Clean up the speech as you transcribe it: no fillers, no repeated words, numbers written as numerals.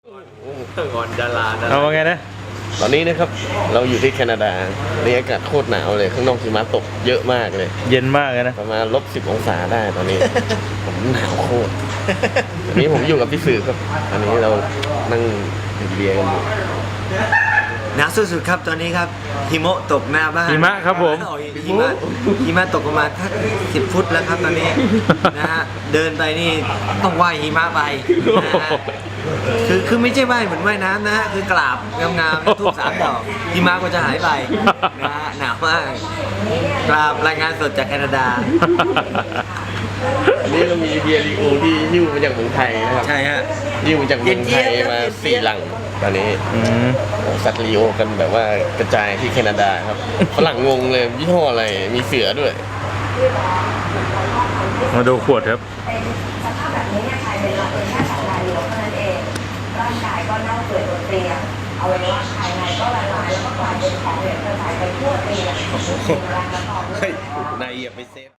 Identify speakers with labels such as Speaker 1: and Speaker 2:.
Speaker 1: ก่อนจะลานะ
Speaker 2: เอาว่าไงนะ
Speaker 3: ตอนนี้นะครับเราอยู่ที่แคนาดาในอากาศโคตรหนาวเลยข้างนอกหิมะตกเยอะมากเลย
Speaker 2: เย็นมากเลยนะ
Speaker 3: ประมาณ-10 องศาได้ตอนนี้ ผมหนาวโคตรตอนนี้ผมอยู่กับพี่สื่อครับอันนี้เรานั่งดื่มเบียร์กันอยู่
Speaker 1: หนาวสุดๆครับตอนนี้ครับหิมะตกหน้าบ้าน
Speaker 2: หิมะครับผม
Speaker 1: อ๋อหิมะตกประมาณ10 ฟุตแล้วครับตอนนี้ นะฮะเดินไปนี่ต้องว่ายหิมะไปนะฮะคือไม่ใช่ว่ายเหมือนว่ายน้ำนะฮะคือกราบงามๆแล้วทูบ3 ดอกหิมะก็จะหายไปนะฮะหนาวมากกราบรายงานสดจากแคนาดา
Speaker 3: อันนี้เรามีเบียร์ลีโอที่หิ้วมาจากเมืองไทยนะครับ
Speaker 1: ใช่ฮะ
Speaker 3: หิ้วมาจากเมืองไทยมา4 ลังตอนนี้
Speaker 2: อืม
Speaker 3: สัตว์ลีโอกันแบบว่ากระจายที่แคนาดาครับฝรั่งงงเลยยี่ห้ออะไรมีเสือด้วย
Speaker 2: มาดูขวดครับ
Speaker 4: เป็นสภาพแบบนี้เนี่ยใช้เวลาเพียงแค่2 นาทีเท่านั้นเองร่างกายก็เน่าเปื่อยบนเตียงอวัยวะภายในก็ละลายแล้วก็กลายเป็นของเหลวกระจายไปทั่วเตียงเป็นแรงกระตุ้น
Speaker 3: เฮ้ยนายเหยียบไปเซฟ